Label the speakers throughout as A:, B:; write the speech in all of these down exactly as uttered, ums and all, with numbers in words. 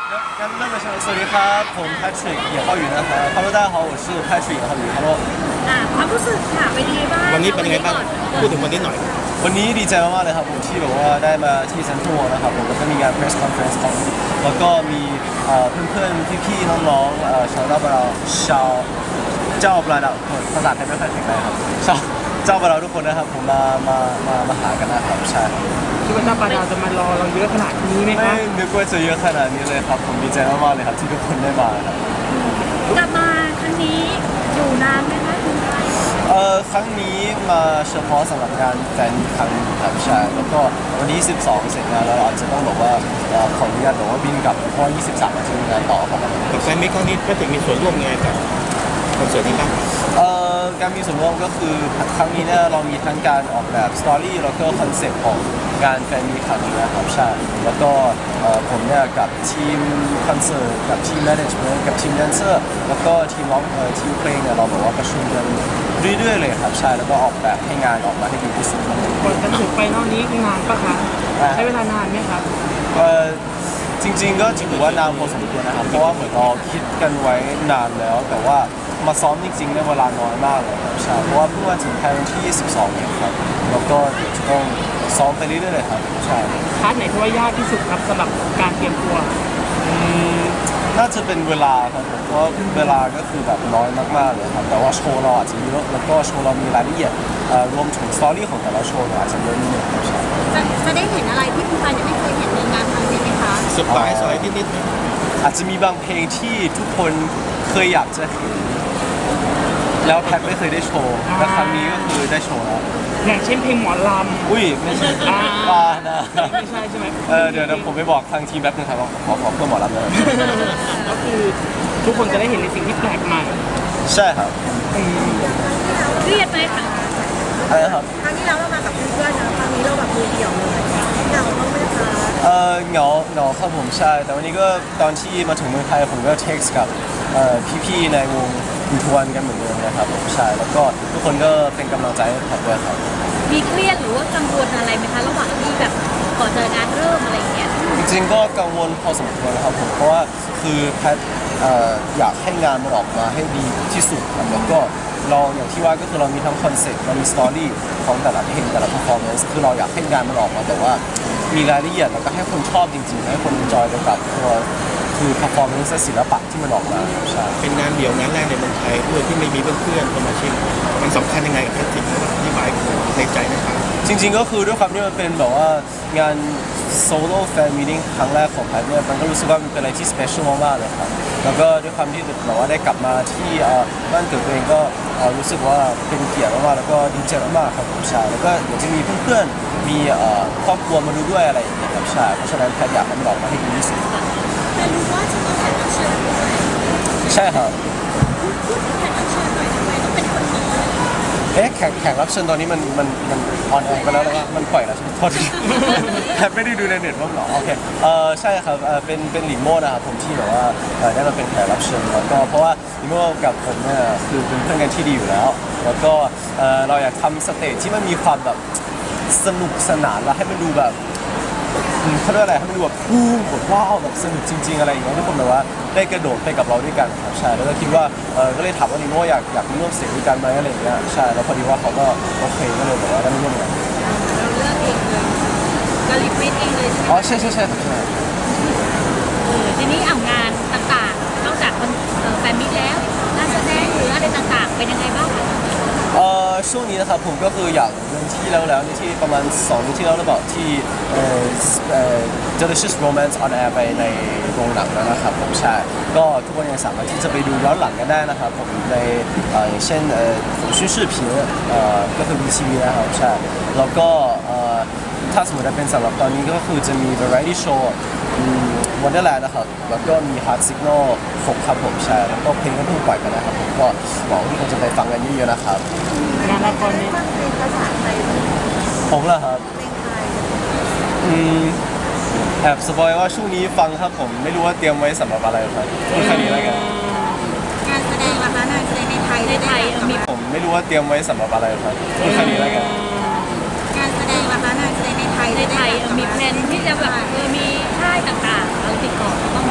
A: งั้นเริ่มเลยใช่ไหมสวัสดีครับผมแพทริกเหยียบเข้าอยู่นะครับ Hello 大家好我是 Patrick เหยียบเข้าอยู่ Hello
B: อ่าความรู้สึกค่ะเป็นยังไงบ้าง
C: วันนี้เป็นยังไงบ้างพูดถึงวันนี้หน่อย
A: วันนี้ดีใจมากๆเลยครับผมที่แบบว่าได้มาที่เซ็นทรัลนะครับผมแล้วก็มีงาน press conference ของแล้วก็มีเอ่อเพื่อนๆพี่ๆน้องๆเอ่อชาวเจ้าบาเราชาวเจ้าบาเราภาษาไทยไม่ค่อยแข็งแรงครับชาวเจ้าบาเราทุกคนนะครับผมมามามามาหากันนะครับใช่ครับ
D: คิดว่าเจ้าปลาดาวจะมารอเราเยอะขนาดนี้ไหมค
A: ไม่
D: รับ
A: นึกว่าจะเยอะขนาดนี้เลยครับผมดีใจมากๆเลยครับที่ทุกคนได้มาครับ
B: กลับมาครั้งนี้อยู่นานไหมคะคุณไทย
A: เอ่อครั้งนี้มาเฉพาะสำหรับงานแฟนมีตครั้งนี้ครับใช่แล้วก็วันที่สิบสองเสร็จงานแล้วเราอาจจะต้องบอกว่าเอ่อขออนุญาตบอกว่าบินกลับเพราะยี่สิบสามอาจจะมีงานต่อครับ
C: กับแฟนมิตรครั้งนี้ก็ถึงมีส่วนร่วมไงกับคอนเสิร์ตนี้บ้าง
A: เอ่อการมีส่วนร่วมก็คือครั้งนี้เนี่ยเรามีทั้งการออกแบบสตอรี่แล้วก็คอนเซ็ปต์ของงานแฟนมีตครั้งนี้นะครับใช่แล้วก็เอ่อผมเนี่ยกับทีมคอนเสิร์ตกับทีมแมネจเมนต์กับทีมแดนเซอร์แล้วก็ทีมร้องเอ่อทีมเพลงเนี่ยเราบอกว่าประชุมกันเรื่อยๆเลยครับใช่แล้วก็ออกแบบให้งานออกมาให้ดีที่สุดครับ
D: ก่อนจะถึงไฟนอลนี้นานปะคะ
A: อ่า
D: ใช้เวลานานไหมครับ
A: เอ่อจริงๆก็ถือว่านานพอสมควรนะครับเพราะว่าเหมือนเราคิดกันไว้นานแล้ว แต่ว่ามาซ้อมจริงๆเนี่ยเวลาน้อยมากเลยครับใช่เพราะว่าเพิ่งมาถึงไทยวันที่ยี่สิบสองเองครับแล้วก็เดี๋ยวจะต้องซ้อมไปเรื่อยๆเลยครับใช่
D: พาร์ทไหนที่ว่ายากที่สุดครับสำหรับการเตรียมตัว
A: อืมน่าจะเป็นเวลาครับผมเพราะว่าเวลาก็คือแบบน้อยมากๆเลยครับแต่ว่าโชว์เราอาจจะเยอะแล้วก็โชว์เรามีรายละเอียดเอ่อรวมถึงสตอรี่ของแต่ละโชว์เนี่ยอาจจะเยอะนิดนึงครับใช่
B: จะจะได้เห็นอะไรที่คุณไทยยังไม่เคยเห็นในงานครั้งนี้ไหมคะ
C: เซอร์ไพรส์อะไรนิดๆไหม
A: อาจจะมีบางเพลงที่ทุกคนเคยอยากจะเห็นแล้วแพทไม่เคยได้โชว์แต่ครั้งนี้ก็คือได้โชว์แล้ว
D: อย่างเช่นเพลงหมอลำ
A: อุ้ยไม่ใช่
D: อ่า
A: บ้านะ
D: ไม่ใช่ใช่ไหม
A: เออเดี๋ยวเดี๋ยวผมไปบอกทางทีมแป๊บนึงครับว่าขอขอเพิ่มหมอลำเลย
D: ก็คือทุกคนจะได้เห็นในสิ่งที่แปลกใหม่
A: ใช่ครับ
D: อืม
B: เครียดไหมคะ
A: อะไรนะครับ
E: ครั้งที่แล้วเรามากับเพื่อนๆนะครั้งนี้เราแบบมือเดี่ยวเลยเหงาบ้างไหมคะ
A: เออเหงาเหงาครับผมใช่ แต่วันนี้ก็ตอนที่มาถึงเมืองไทยผมก็เท็กซ์กับเอ่อพี่ๆในวงยูทวนกันเหมือนเดิมนะครับผมใช่แล้วก็ทุกคนก็เป็นกำลังใจให้ผมด้วยครับ
B: มีเครียดหรือว่ากังวลอะไรไหมคะระหว่างที่แบบก่อนจะงานเริ่มอะไรอย่างเงี้ย
A: จริงๆก็กังวลพอสมควรนะครับผมเพราะว่าคือแพทเอ่ออยากให้งานมันออกมาให้ดีที่สุดครับแล้วก็เราอย่างที่ว่าก็คือเรามีทั้งคอนเซ็ปต์เรามีสตอรี่ของแต่ละเพลงแต่ละ performance คือเราอยากให้งานมันออกมาแต่ว่ามีรายละเอียดแล้วก็ให้คนชอบจริงๆให้คน enjoy ไปกับตัวคือ performance และศิลปะที่มันออกมาใช่
C: เป็นงานเดี่ยวงานแรกในเมืองไทยด้วยที่ไม่มีเพื่อนๆสมาชิกมันสำคัญยังไงกับแพทริกที่หมายในใจนะครับ
A: จริงๆก็คือด้วยความที่มันเป็นแบบว่างานโซโล่แฟนมีติ้งครั้งแรกของแพทเนี่ยมันก็รู้สึกว่ามันเป็นอะไรที่สเปเชียลมากๆเลยครับแล้วก็ด้วยความที่แบบว่าได้กลับมาที่เอ่อบ้านเกิดตัวเองก็เอ่อรู้สึกว่าเป็นเกียรติมากๆแล้วก็ดีใจมากๆครับผมใช่แล้วก็เดี๋ยวจะมีเพื่อนๆมีเอ่อครอบครัวมาดูด้วยอะไรอย่างเงี้ยครับใช่เพราะฉะนั้นแพทอยากให้มันออกมาให้ดีที่สุด
E: แต่รู้ว่าจะต้องแข่งรับเชิญด้วย
A: ใช่ครับ
E: พูดถึงแข่งรับเชิญหน่อยทำไมต้องเป็นคนนี้
A: เอ๊ะแข่งแข่งรับเชิญตอนนี้มันมันมันออนแอร์ไปแล้วหรือว่ามันปล่อยแล้วใช่ไหมโทษที แทบไม่ได้ดูในเน็ตบ้างเหรอโอเคเออใช่ครับเออเป็นเป็นหลิงโม่นะครับผมที่แบบว่าเออได้มาเป็นแขกรับเชิญแล้วก็เพราะว่าหลิงโม่กับผมเนี่ยคือเป็นเพื่อนกันที่ดีอยู่แล้ว แล้วก็เออเราอยากทำสเตจที่มันมีความแบบสนุกสนานแล้วให้มันดูแบบอืมเขาเรียกอะไรให้มันดูแบบพุ่งแบบว้าวแบบสนุกจริง ๆอะไรอย่างเงี้ยทุกคนแบบว่าได้กระโดดไปกับเราด้วยกันครับใช่แล้วก็คิดว่าเออก็เลยถามว่าลิโม่อยากอยากมาร่วมสเตจด้วยกันไหมอะไรอย่างเงี้ยใช่แล้วพอดีว่าเขาก็โอเคก็เลยบอกว่าได้มาร่วมกัน
B: เราเลือกเองเลยเราลิมิตเองเลยใช่ไหม
A: อ๋อใช่ใช่ใช่ครับใช่
B: เออทีนี้เอางานต่างๆนอกจากคนเอ่อแฟนมิตรแล้วงานแสดงหรืออะไรต่างๆ เป็นยังไงบ้างคะ
A: เอ่อช่วงนี้นะครับผมก็คืออยากเดินที่แล้วแล้วนี่ที่ประมาณสองเดือนที่แล้วหรือเปล่าที่เอ่อเอ่อ Delicious Romance on Air ไปในโรงหนังแล้วนะครับผมใช่ก็ทุกคนยังสามารถที่จะไปดูย้อนหลังกันได้นะครับผมในเอ่ออย่างเช่นเอ่อ讯视频เอ่อก็คือ วี ที วี นะครับใช่แล้วก็เอ่อถ้าสมมติว่าเป็นสำหรับตอนนี้ก็คือจะมี variety show วันเดอร์แลนด์นะครับแล้วก็มี Hard Signal หกครับผมใช่แล้วก็เพลงก็เพิ่งปล่อยไปนะครับผมก็หวังว่าทุกคนจะไปฟังกันเยอะๆนะครับ
D: งานละครนี้
E: ฟังเพลงภาษาไทยเพลง
A: ผมเหรอครับ
E: ไทย
A: อืมแอบสปอยว่าช่วงนี้ฟังครับผมไม่รู้ว่าเตรียมไว้สำหรับอะไรครับพูดแค่นี้แล้วกัน
E: งานแสดงล่ะคะงานแสดงในไทย
B: ในไทยมี
A: ผมไม่รู้ว่าเตรียมไว้สำหรับอะไรครับพูดแค่นี้แล้วกัน
E: งานแสดงล่ะคะงานแสดงในไทย
B: ในไทยเอ่อมีแพลนที่จะแบบเออมีค่ายต่างๆเราติดต่อเขาบ้างไหมคะ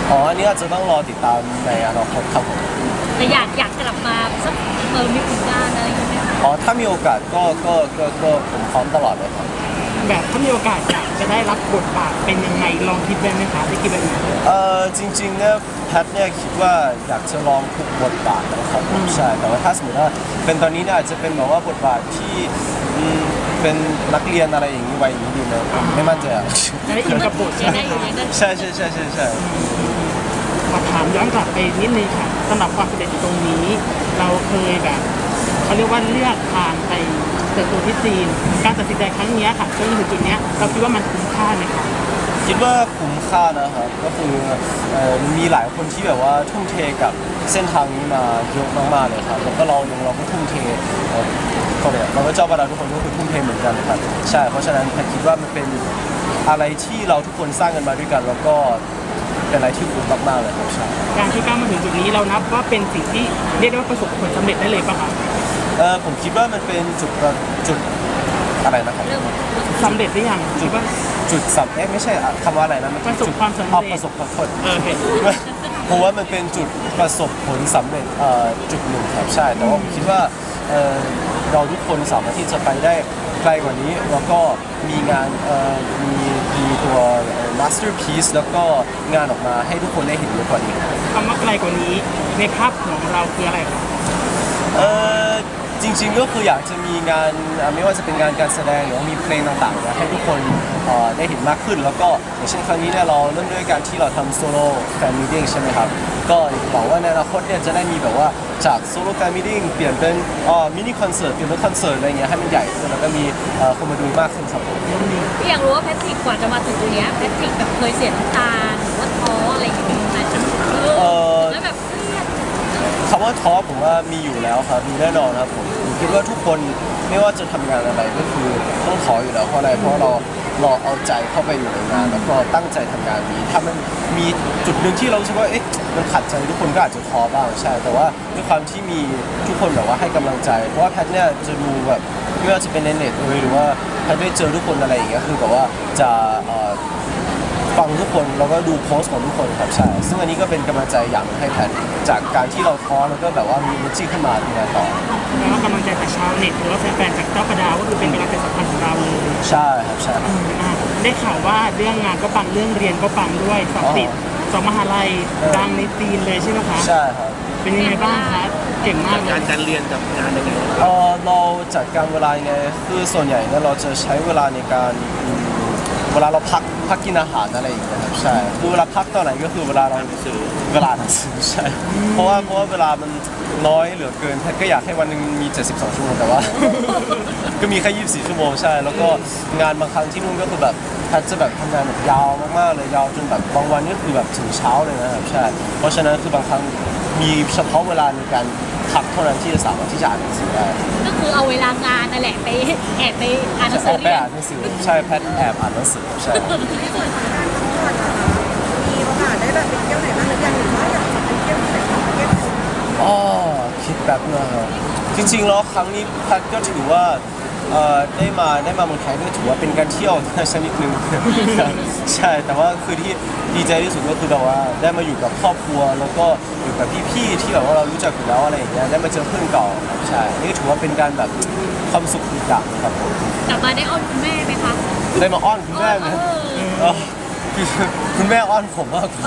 A: อ๋ออันนี้อาจจะต้องรอติดตามในอนาคตครับผม
B: แต่อยากอยากกลับมาสักเออมีผลงานอะไรอย่างเงี้ยไหมคะ
A: อ๋อถ้ามีโอกาสก็ก็ก็ก็ผมพร้อมตลอดเลยครับ
D: แบบถ้ามีโอกาสอยากจะได้รับบทบาทเป็นยังไงลองคิดไว้ไหมคะได้คิดแบบไหน
A: เออจริงๆเนี่ยแพทเนี่ยคิดว่าอยากจะลองทุกบทบาทนะครับผมใช่แต่ว่าถ้าสมมติว่าเป็นตอนนี้เนี่ยอาจจะเป็นแบบว่าบทบาทที่อืมเป็นนักเรียนอะไรอย่างนี้วัยนี้ดีไหมไม่มั่นใจอ่ะ
D: จะได้อินกับบท
B: ยั
D: ใช่
B: ง
D: ไหม
B: ได้อยู่
D: คะ
B: ยังได้
A: ใช่ใช่ใช่ใช่ใช่
D: ขอถามย้อนกลับไปนิดนึงค่ะสำหรับความสำเร็จตรงนี้ เราเคยแบบเขาเรียกว่าเลือกทางไปเติบโตที่จีน การตัดสินใจครั้งเนี้ยค่ะจนถึงจุดเนี้ยเราคิดว่ามันคุ้มค่าไหมคะ
A: คิดว่าคุ้มค่านะครับก็คือเอ่อมีหลายคนที่แบบว่าทุ่มเทกับเส้นทางนี้มาเยอะมากๆเลยครับแล้วก็เราเองเราก็ทุ่มเทเอ่อก็เลยเราก็เจ้าบาราทุกคนก็คือทุ่มเทเหมือนกันครับใช่เพราะฉะนั้นแพทคิดว่ามันเป็นอะไรที่เราทุกคนสร้างกันมาด้วยกัน แล้วก็เป็นอะไรที่คุ้มมากๆเลยครับใช่
D: การที่ก้าวมาถึงจุดนี้เรานับว่าเป็นสิ่งที่เรียกได้ว่าประสบผลสำเร็จได้เลยป่ะคะ
A: เออผมคิดว่ามันเป็นจุดประจุดอะไรนะครับ
B: เริ่ม
D: สำเร็จหรือยัง
A: จุด
D: ว่า
A: จุดสำเอ๊ะไม่ใช่อะคำว่าอะไรนะมัน
D: ประสบ
A: จุด
D: ความสำเร็จ
A: อ๋อประสบความผล
D: เออเห็น
A: เพราะว่ามันเป็นจุดประสบผลสำเร็จเอ่อจุดหนึ่งครับใช่แต่ว่าผมคิดว่าเอ่อเราทุกคนสามารถที่จะไปได้ไกลกว่านี้แล้วก็มีงานเอ่อมีมีตัว masterpiece แล้วก็งานออกมาให้ทุกคนได้เห็นเยอะกว่านี้
D: คำว่าไกลกว่านี้ในภาพของเราคืออะไรคะ
A: เออจริงๆก็คืออยากจะมีงานเอ่อไม่ว่าจะเป็นงานการแสดงหรือว่ามีเพลงต่างๆเนี่ยให้ทุกคนเอ่อได้เห็นมากขึ้น แล้วก็อย่างเช่นครั้งนี้เนี่ยเราเริ่มด้วยการที่เราทำโซโล่แฟนมิทติ้งใช่ไหมครับก็หวังว่าในอนาคตเนี่ยจะได้มีแบบว่าจากโซโล่แฟนมิทติ้งเปลี่ยนเป็นเอ่อมินิคอนเสิร์ตเปลี่ยนเป็นคอนเสิร์ตอะไรเงี้ยให้มันใหญ่ขึ้นแล้วก็มีเอ่อคนมาดูมากขึ้นครับผม
B: พี่อยากรู้ว่าแพทริกกว่าจะมาถึงตรงเนี้ยแพทริกแบบเคยเสียน้ำตาหรือว่าท้ออะไรอย่างเงี้ยไหมเออแล้วแบบเครียด
A: คำว่าท้อผมว่ามีอยู่แล้วครับมีแน่นอนครับผมผมคิดว่าทุกคนไม่ว่าจะทำงานอะไรก็คือต้องท้ออยู่แล้วเพราะอะไรเพราะเราเราเอาใจเข้าไปอยู่ในงาน แล้วก็ตั้งใจทำงานนี้ถ้ามันมีจุดหนึ่งที่เรารู้สึกว่าเอ๊ะมันขัดใจทุกคนก็อาจจะท้อบ้างใช่ แต่ว่าด้วยความที่มีทุกคนแบบว่าให้กำลังใจ เพราะว่าแพทเนี่ยจะดูแบบไม่ว่าจะเป็นในเน็ตเลยหรือว่าแพทได้เจอทุกคนอะไรอย่างเงี้ยคือแบบว่าจะเอ่อ ฟังทุกคนแล้วก็ดูโพสต์ของทุกคนครับใช่ซึ่งอันนี้ก็เป็นกำลังใจอย่างหนึ่งให้แพทจากการที่เราท้อแล้วก็แบบว่ามี energy ขึ้นมาทำงานต่อ
D: แล้วก็กำลังใจจากชาวเน็ตหรือว่าแฟนๆจากเจ้าประดาวก็คือเป็นกำลังใจสำคัญของเราเลย
A: ใช่ครับใช่ครับ
D: อ่ะได้ข่าวว่าเรื่องงานก็ปังเรื่องเรียนก็ปังด้วยสอบติด
A: อ๋อ
D: สองมหาลัยดังในจีนเลยใช่ไหมคะ
A: ใช่ครับ
D: เป็นยังไงบ้างคะเก่งมากเล
C: การ
D: ย
C: การเรียนกับงานยังไง
A: เออเราจัดการเวลายังไงคือส่วนใหญ่เนี่ยเราจะใช้เวลาในการอืมเวลาเราพักพักกินอาหารอะไรอย่างเงี้ยครับใช่คือเวลาพักตอนไหนก็คือเวลาเรา
C: หนังสือ
A: เวลาหนังสือใช่เพราะว่าเพราะว่าเวลามันน้อยเหลือเกินแพทก็อยากให้วันหนึ่งมีเจ็ดสิบสองชั่วโมงแต่ว่า ก็มีแค่ยี่สิบสี่ชั่วโมงใช่ แล้วก็งานบางครั้งที่นู่นก็คือแบบแพทจะแบบทำงานแบบยาวมากๆเลยยาวจนแบบบางวันก็คือแบบถึงเช้าเลยนะครับใช่ เพราะฉะนั้นคือบางครั้งมีเฉพาะเวลาในการพักเท่านั้นที่จะสามารถที่จะอ่านหนังสือได้
B: ก็คือเอาเวลางานนั่นแหละไปแอบไปอ่านหนัง
A: แอ
B: สือบ
A: ไป
B: เรียน
A: อ่านหนังสือใช่แพทแอบอ่านหนังสือใช่
E: ที่ส่วนของการท่องเที่ยวนะคะมีโอกาสได้แบบไปเที่ยวไหนบ้างหรือยังหรือว่าอยากจะไปเที่ยวที่ไหนของประเทศไทย
A: อ๋อคิดแบบนะครับจริงๆแล้วครั้งนี้แพทก็ถือว่าเอ่อได้มาได้มาเมืองไทยก็ถือว่าเป็นการเที่ยว ชนิดหนึ่ง ใช่แต่ว่าคือที่ดีใจที่สุดก็คือแบบว่าได้มาอยู่กับครอบครัว แล้วก็อยู่กับพี่ๆที่แบบว่าเรารู้จักอยู่แล้วอะไรอย่างเงี้ยได้มาเจอเพื่อนเก่าครับใช่นี่ก็ถือว่าเป็นการแบบความสุขอีกอย่างครับผม
B: กลับมาได้อ้อนคุณแม่ไหมคะ
A: ได้มาอ้อนคุณแม่ไหม
B: เออ
A: เออคือคุณแม่อ้อนผมมากกว่า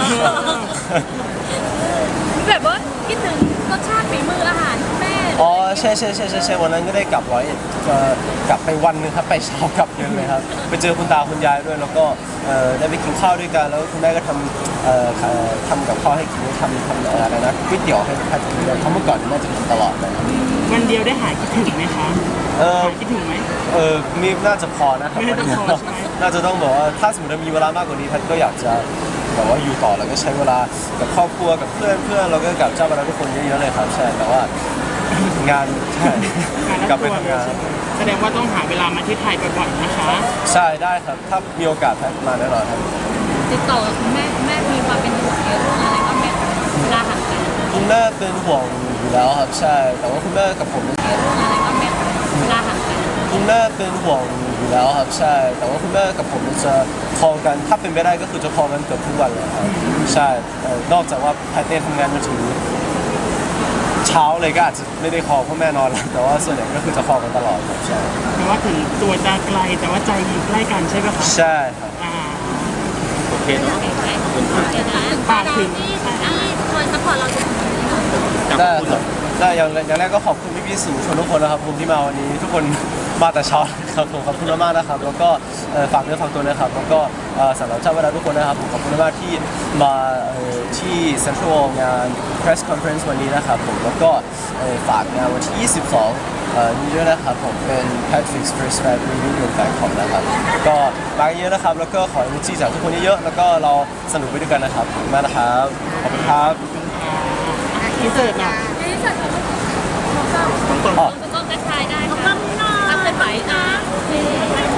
B: แบบว่าคิดถึงรสชาติฝีมืออาหารคุณแม่
A: อ๋อใช่ใช่ใช่ใช่ใช่วันนั้นก็ได้กลับร้อยเอ็ดเอ่อกลับไปวันหนึงครับไปเช้ากลับเย็นเลยครับไปเจอคุณตาคุณยายด้วยแล้วก็เอ่อได้ไปกินข้าวด้วยกันแล้วคุณแม่ก็ทำเอ่อเอ่อทำกับข้าวให้กินทำทำเอ่ออะไรนะก๋วยเตี๋ยวให้แพทย์กินด้วยเพราะเมื่อก่อนแม่จะทำตลอดเลยครับ
D: วันเดียวได้หายคิดถึงไหมคะ
A: เออ
D: หายคิดถึงไหม
A: เออมีน่าจะพอนะครับ
D: น่าจะพอ
A: วันนี้
D: ใช่ไหม
A: น่าจะต้องบอกว่าถ้าสมมติว่ามีเวลามากกว่านี้แพทย์ก็อยากจะแบบว่าอยู่ต่อแล้วก็ใช้เวลากับครอบครัวกับเพื่อนเพื่อนแล้วก็กับเจ้าบรรดาทุกคนเยอะๆเลยครับใช่แต่ว่างานใช่
D: งาน
A: กลั
D: รั
A: บบ ไป
D: ตัว
A: ทำงาน
D: แสดงว่าต้องหาเวลามาที่ไทยบ่อยๆนะคะ
A: ใช่ได้ครับ ถ้ามีโอกาสแพทย์มาแน่นอนครับ
B: ติดต่อกับคุณแม่คุณแม่มีความเป็นห่วงในเรื่องอะไรบ้างไหมคะเวลาห่างกัน
A: คุณแม่เป็นห่วงอยู่แล้วครับใช่ แต่ว่าคุณแม่กับผม
B: ในเรื่องอะไรบ้างไหมคะเวลาห่างกัน
A: คุณแม่เป็นห่วงอยู่อยู่แล้วครับใช่แต่ว่าคุณแม่กับผมจะคอลกันถ้าเป็นไปได้ก็คือจะคอลกันเกือบทุกวันเลยครับใช่เอ่อนอกจากว่าแพทเต้ทำงานมาถึงเช้าเลยก็อาจจะไม่ได้คอลเพราะแม่นอนแล้วแต่ว่าส่วนใหญ่ก็คือจะคอลกันตลอดครับใช่
D: แปลว่าถึงตัวจะไกลแต่ว่าใจอยู่ใกล้กันใช่ไหมคะ
A: ใช่ครับ
D: อ่า
C: โอเคเนาะ
B: เห็นไหมเห็นนะฝากถึงที่ที่คอยซัพพอร์ตเราจนถึงวันนี้
C: จาก
A: ได้
C: คุณ
A: ค
C: เหร
A: รั
C: อบ
A: ได้อย่างอย่างแรกก็ขอบคุณพี่ๆสื่อมวลชนทุกคนนะครับผมที่มาวันนี้ทุกคนมาแต่เช้าครับผมขอบคุณมากๆนะครับแล้วก็เอ่อฝากเนื้อฝากตัวนะครับแล้วก็เอ่อสำหรับเจ้าเวลาทุกคนนะครับผมขอบคุณมากๆที่มาเอ่อที่ Central งาน Press Conference วันนี้นะครับผมแล้วก็เอ่อฝากงานวันที่ ยี่สิบสองเอ่อนี้ด้วยนะครับผมเป็น Patrick's First Fan Reunion in Bangkok นะครับก็มากันเยอะนะครับแล้วก็ขอ energy จากทุกคนเยอะๆแล้วก็เราสนุกไปด้วยกันนะครับขอบคุณมากนะครับขอบคุณครับ
D: อินเสิร์ตหน่อย
B: ในที่สุดเราก็
C: ต้อง
A: อ๋อ
B: ก็กระชายได้ค่ะทำเป็นไหวนะ